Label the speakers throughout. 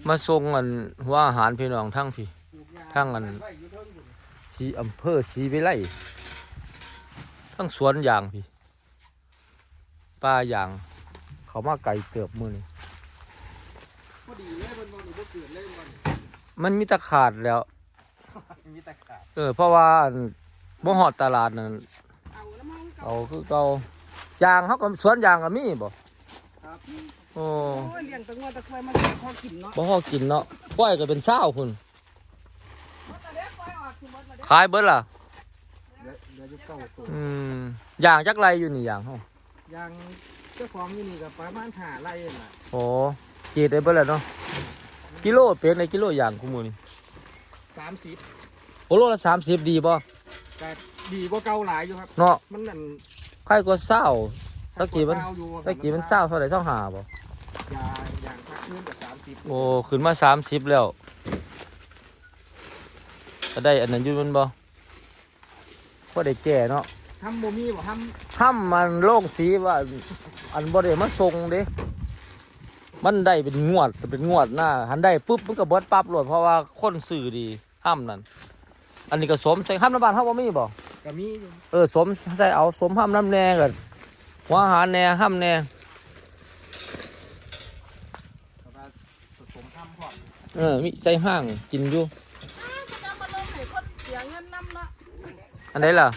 Speaker 1: มาส่งอันหัวอาหารพี่น้องทั้งพี่ทั้งอันสีอำเภอศรีวิไลทั้งสวนยางพี่ป่ายางเขามาไก่เกือบมือนี่มันมีตะขาดแล้วเพราะว่าบ่ฮอดตลาดนั่นเอาคือเก่ายางเขาก็สวนยางก็มีบ่โอ้เลี้ยงตะงัวตะควายมันพอกินเนาะบ่พอกินเนาะปล่อยก็เป็น20,000พุ่นขายเบิดล่ะยางจักไรอยู่นี่ยางเฮายางเจ้าของอยู่นี่ก็ประมาณ5 ไร่นั่นล่ะโอ้กีดได้เบิดแล้วเนาะกิโลเป็นในกิโลยางคุมื้อนี่30โอ้โลละ30ดีบ่ก็ดีกว่าเก่าหลายอยู่ครับเนาะมันนั่นใครก็เศร้าตะกี้มันเศร้าเท่าไหร่25บ่อย่างพักนึงกับ30โอ้ขึ้นมา30แล้วจะได้อันนั้นอยู่มันบ่พอได้แก่เนาะทำบ่มีบ่ทำมันโล่งสีว่าอันบ่ได้มาส่งเด้มันได้เป็นงวดหน้าหันได้ปุ๊บมันก็เบิดปั๊บโลดเพราะว่าคนซื้อดีห้ำนั่นอันนี้ก็สมใส่ห้ำน้ำบานเฮาบ่มีบ่ก็มีอยู่สมใส่เอาสมห้ำน้ำแน่ก็หัวอาหารแน่ห้ำแน่มีใจห้างกินอยู่อันไหนล่ะ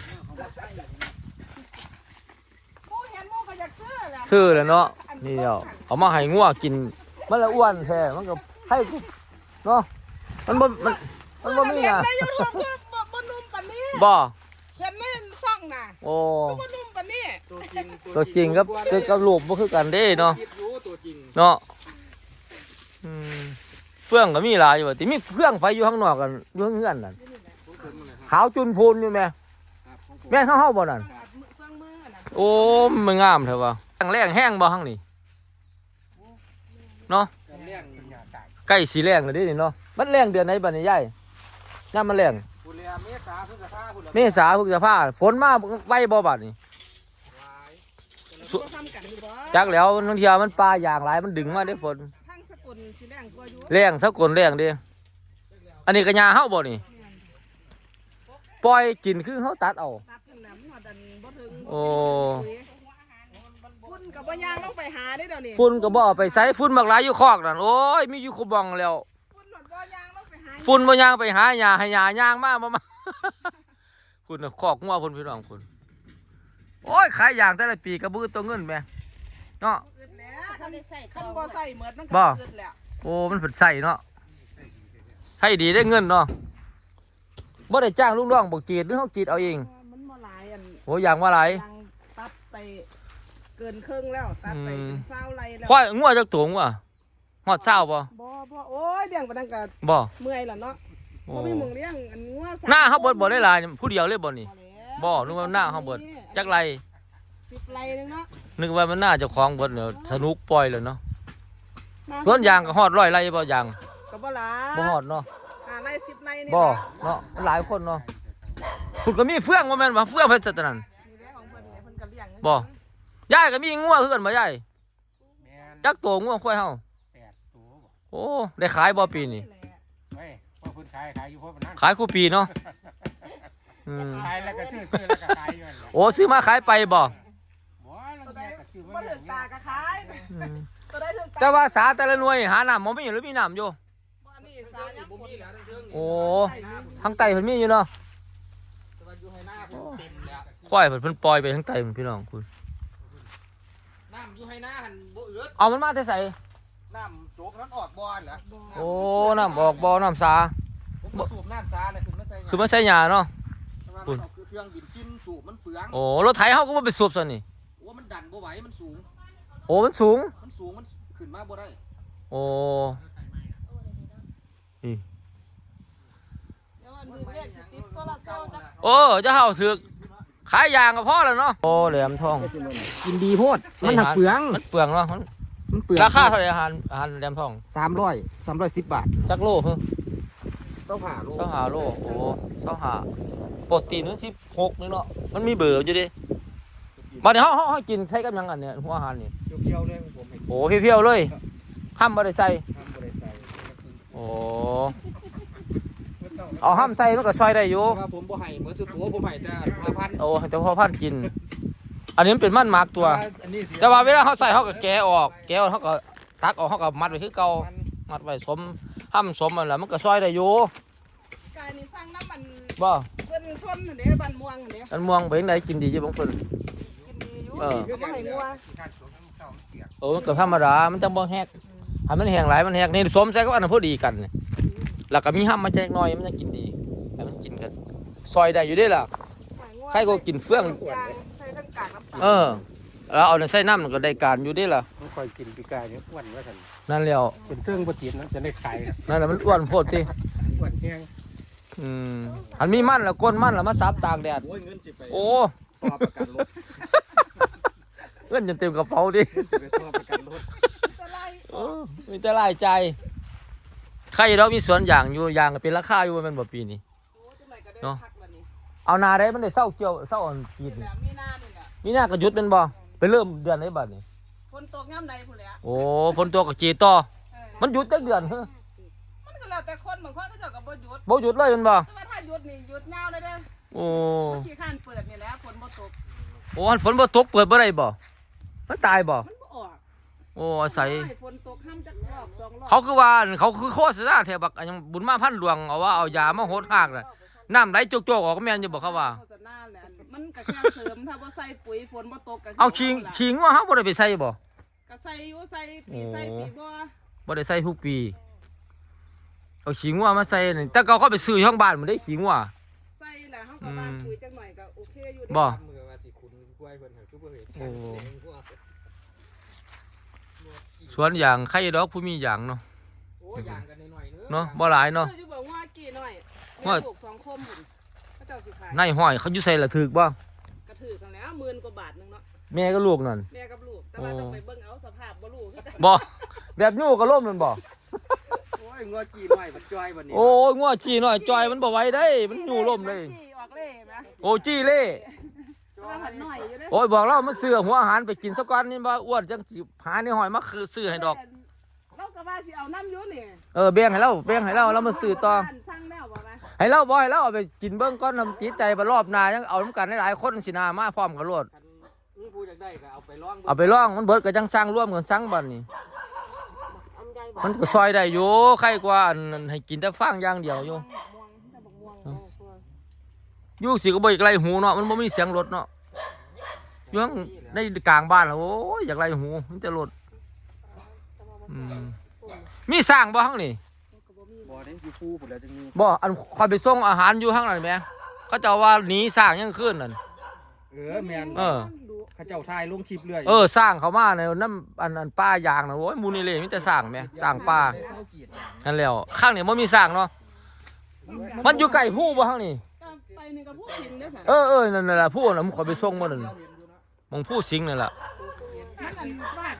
Speaker 1: ซื้อแล้วเนาะนี่เอามาให้งัวกินมันละอ้วนแท้มันก็ให้เนาะมันบ่มีอ่ะบ่เห็นในซ่องน่ะโอ้บ่นุ่มปานนี้ตัวจริงกับรูปบ่คือกันเด้เนาะเนาะเฟื่องก็มีหลายอยู่ติมีเฟื่องไฟอยู่ข้างนอกกันอยู่ข้างเฮือนนั่นขาวจุนพูนอยู่แม่แม่เฮาบ่นั่นโอ้มันงามเถอะวะแรงแห้งบ่ข้างนี้เนาะใกล้สีแรงเลยดิเนาะมันแรงเดือนไหนบัดนี้ยายน้ำมันแรงเมษาพฤษภาฝนมาไว้บ่บัดนี้จักแล้วนังเทียมันปลาอย่างหลายมันดึงมาได้ฝนแรงสะกลแรงดิอันนี้กระยาเฮาบ่นี่ปล่อยกินคือเฮาตัดเอาโอ้ฝุ่นกับบ่ยางลงไปหาได้เดี๋ยวนี้ฝุ่นกับบ่ไปใส่ฝุ่นบักหลายอยู่คอกนั่นโอ้ยมีอยู่คุบองแล้วฝุ่นบ่ยางไปหาหญ้าให้หญ้าย่างมาบ่มาคุณคอกงัวพุ่นพี่น้องคุณโอ้ยขายยางแต่ละปีกระบือตัวเงินแม่เนาะคันบ่ใส่เหมือนมันก็เกิดแล้วโอ้มันผุดใส่เนาะใส่ดีได้เงินเนาะบ่ได้จ้างลูกน้องบ่กรีดหรือเฮากรีดเอาเองมันบ่หลายอันโอ้ยางว่าหลายตัดไปเกินครึ่งแล้วตัดไปเป็น20 ไร่แล้วควายงัวจักตัวงัวฮอด20บ่โอ้ยเลี้ยงปานนั้นก็บ่เมื่อยล่ะเนาะบ่มีหม่องเลี้ยงอันงัวหน้าเฮาเบิดบ่ได้หลายผู้เดียวเลยบ่นี่บ่นึกว่าหน้าเฮาเบิดจักไร10 ไร่นึงเนาะนึกว่ามันน่าจะคล้องเบิดเดี๋ยวสนุกปล่อยเลยเนาะสวนยางก็ฮอด100 ไร่บ่ยางก็บ่หลายบ่ฮอดเนาะ5 ไร่ 10 ไร่นี่บ่เนาะหลายคนเนาะคุณก็มีเฟื่องบ่แม่นว่าเฟื่องเพิ่นซะตะนั้นบ่ยายก็มีงัวคือกันบ่ยายจักตัวงัวควายเฮา8 ตัวโอ้ได้ขายบ่ปีนี้เฮ้ยพ่อเพิ่นขายอยู่เพราะนั้นขายคู่ปีเนาะขายแล้วก็ซื้อแล้วก็ขายอยู่โอ้ซื้อมาขายไปบ่ถึงตาก็ขายแต่ว่าสาแต่ละหน่วยหาน้ำบ่มีหรือมีน้ำอยู่โอ้ทางใต้เพิ่นมีอยู่เนาะควายเพิ่นปล่อยไปทางใต้พี่น้องคุณน้ำอยู่ให้หน้าหันบ่เอือดเอามันมาแต่ใส่น้ำโจกนั้นออกบ่อเหรอโอ้น้ำออกบ่อน้ำสาสูบน้ำสาเลยคือมันใส่หญ้าเนาะคุณเครื่องบินชิ้นสูบมันเปลืองโอ้รถไถเฮาก็บ่ไปสูบซะนี่โอ้มันดันบ่ไหวมันสูงโอ้มันสูงมันขึ้นมาบ่ได้โอ้โอ้จะเฮาถึกขายยางก็พอแล้วเนาะโอ้แหลมทองกินดีโพดมันหักเปลืองเนาะมันเปลืองราคาเท่าไหร่อาหารแหลมทอง310 บาทจักโลเหรอ25 โลโอ้25โปรตีนมัน16นึงเนาะมันมีเบอร์อยู่ดิบัดนี้เฮากินใช้กับหยังอันเนี่ยหัวอาหารนี่เพียวๆเลยผมโอ้เพียวๆเลยห้ามบ่ได้ใส่เอาห้ามใส่มันก็ซอยได้อยู่
Speaker 2: ว่าผมบ่ให้เหมือนสุดตัวผมให้แต่5,000
Speaker 1: โอ้แต่พอพันกิน อันนี้มันเป็นมันหมักตัว
Speaker 2: อันนี้เสีย
Speaker 1: แต่ว่าเวลาเขาใส่เขาก็แกะออกเขาก็ตักออกเขาก็มัดไว้คือเก่ามัดไว้สมห้ามสมมันแหละมันก็ซอยได้อยู่
Speaker 3: กายนี่สร้างน้ำมัน
Speaker 1: บ่
Speaker 3: เพิ่นชนเด้บ้านม่วงเด้
Speaker 1: อันม่วงไปยังไงกินดีอยู่บางคน
Speaker 3: กินดีอยู่
Speaker 1: เออ
Speaker 3: ก็บ่ให้งัว
Speaker 1: มันก็ธรรมดามันจังบ่แฮกให้มันแห้งหลายมันแห้งนี่สมใส่ก็อันนั้นพอดีกันนี่แล้วก็มีห้ามมาแจกหน่อยมันจะกินดีให้มันกินกันซอยได้อยู่เด้ล่ะใครก็กินเฟื่อง
Speaker 3: ใส่ทั้งกากน้ำตาล
Speaker 1: แล้วเอาในใส่น้ำมันก็ได้การอยู่เด้ล่ะ
Speaker 2: ผมคอยกินปีกายเนี่ยอ้วนว่าซั่น
Speaker 1: นั่นแล้ว
Speaker 2: เป็นเครื่องบ่ติดนะจะได้ขาย
Speaker 1: นั่นแหละมันอ้วนโพดติ
Speaker 2: อ้วนแฮง
Speaker 1: อันมีมันแล้วก้นมันแล้วมาซับตากแดด
Speaker 2: โอ้ยเงินสิไป
Speaker 1: โอ้
Speaker 2: ต่อประกันรถ
Speaker 1: เงินจะเต็มกระเป๋าดิ
Speaker 2: สิไปต่อประกันรถ
Speaker 3: จะไล่
Speaker 1: มีแต่รายใจใครเรามีสวนอย่างอยู่อย่างก็เป็นราคาอยู่มันบ่ปีนี้
Speaker 3: โอ้จังไดก็ได้พักบัดนี้
Speaker 1: เอานาได้มันได้เศร้าเกี่ยวเศร้าอ่อนปีนี่
Speaker 3: แล้วมีหน้านี่แหละ
Speaker 1: มีหน้าก็หยุดเป็นบ่ไปเริ่มเดือนไหนบัดนี้
Speaker 3: ฝนตกยามใดพุ่นแหละ
Speaker 1: โอ้ฝนตกก็จีต่อ มันหยุดจักเดือนเฮ้อ
Speaker 3: มันก็แล้วแต่คนบางคนก็เจ้าก็บ่หยุด
Speaker 1: บ่หยุดเลยแมันบ่
Speaker 3: แต่ว่าถ้าหยุดนี่หยุดยาวเลยเด้อ
Speaker 1: โอ้
Speaker 3: ขี้ข้านเปิดนี่แหละฝนบ่ตก
Speaker 1: โอ้อันฝนบ่ตกเปิดบ่ได้บ่มันตายบ่
Speaker 3: มันบ่ออก
Speaker 1: โอ้อาศัย
Speaker 3: ให้ฝนตกห้ามจักรอบ2รอบ
Speaker 1: เขาคือว่าเขาคือโฆษณาแถวบักอันยังบุญมาพันหลวงเอาว่าเอายามาโหดหากน่ะน้ำไหลโจกๆออกก็แม่นอยู่บ่เขาว่า
Speaker 3: โฆษณาแหละมันก็แค่เสริมถ้าบ่ใส่ปุ๋ยฝนบ่ตกก็คื
Speaker 1: เอาชิงว่าเฮาบ่ได้ไปใส่บ่
Speaker 3: ก็ใส่อยู่ใส่ปีใส่ปีบ่
Speaker 1: บ่ได้ใส่ทุกปีเอาขิงว่ามาใส่นี่แต่เขาไปซื้อช่องบ้านมันได้ขิงว่า
Speaker 3: ใส่แล้วเฮาก็บ้านปุ๋ยจักหน่อยก็โอเคอยู่เด้
Speaker 1: บ่
Speaker 2: มือว่าสิคุณกล้วยเพิ่นคือบ่เห็นแสงกว่า
Speaker 1: สวนอย่างใครดอกผู้มีอย่างเนาะ
Speaker 2: โอ้ย่างกันหน่อยๆ
Speaker 1: เนาะบ่หลายเนาะ
Speaker 3: ซื้ออยู่บ่ว่ากี่หน่อย
Speaker 1: ว่า
Speaker 3: ปลูก2คมพุ่นเขาเจ้าสิขาย
Speaker 1: ในห้อยเขาอยู่ใส่ละถึกบ่
Speaker 3: กระถือกันแล้ว10,000 กว่าบาทนึงเนาะ
Speaker 1: แม่ก็ลูกนั่น
Speaker 3: แม่กับลูกแต่ว่าต้องไปเบิ่งเอาสภาพบ่รู้คือกัน
Speaker 1: บ่แบบยู่ก็ล่มนั่นบ่
Speaker 2: โอ้ยงอจีหน่อยมันจ้อยบัดนี้
Speaker 1: โอ้ยงัวจี้น้อยจอยมันบ่ไหวได้มันอยู่ล่มเลย
Speaker 3: ขี้ออกเล่แหม
Speaker 1: โอ้จี้เล่
Speaker 3: ว่าหันหน่อยอยู่เด้
Speaker 1: โอ้ยบอกเรามาซื้อหัวอาหารไปกินซะก่อนนี่บ่อ้วนจังสิหาในห้อยมาคือซื้อให้ดอก
Speaker 3: เราก็ว่าสิเอาน้ำอยู่นี่
Speaker 1: แบ่งให้เรามาซื้อต่อ
Speaker 3: สั่งแล้วบ่แม่
Speaker 1: ให้เราเอาไปกินเบิ่งก่อนทำจิตใจบ่รอบหน้ายังเอานํกันหลายๆคนสินามาพร้อมกันโลด
Speaker 2: คันผู้อยากได้ก็เอาไปลอง
Speaker 1: เอาไปลองมันเบิดก็จังสร้างร่วมกันสั่งบัดนี้มันก็ซอยได้อยู่ใครกว่าอันนั้นให้กินแต่ฟางอย่างเดียวอยู่
Speaker 3: ม่วงแต่บักม่วงโอ้โห
Speaker 1: อยู่สิก็บ่อยากไล่หูเนาะมันบ่มีเสียงรถเนาะอยู่ข้างในกลางบ้านแล้วโอ้ยอยากไล่หูมันจะรถมีสร้างบ่ข้างนี่
Speaker 2: บ่ได้อยู่คู่พุ่นแล้วจังมี
Speaker 1: บ่อันคอยไปส่งอาหารอยู่ข้างนั้นแหมเขาเจ้าว่าหนีสร้างยังคืนนั่น
Speaker 2: แม่น เขาเจ้าทายลงคลิปเรื่อย
Speaker 1: สร้างเขามาในน้ำอันป้ายางนะโอ้ยมูนี่เลยมีแต่สร้างแหมสร้างป่านั่นแล้วข้างนี่บ่มีสร้างเนาะมันอยู่ไกลผู้บ่ข้างนี่
Speaker 3: ไปนี่ก็ผู้สิงเด้อค่ะ
Speaker 1: นั่นแหละผู้น่ะมึงขอไปส่งมานั่นมองผู้สิงนั่นแหละ
Speaker 3: มันอันว่า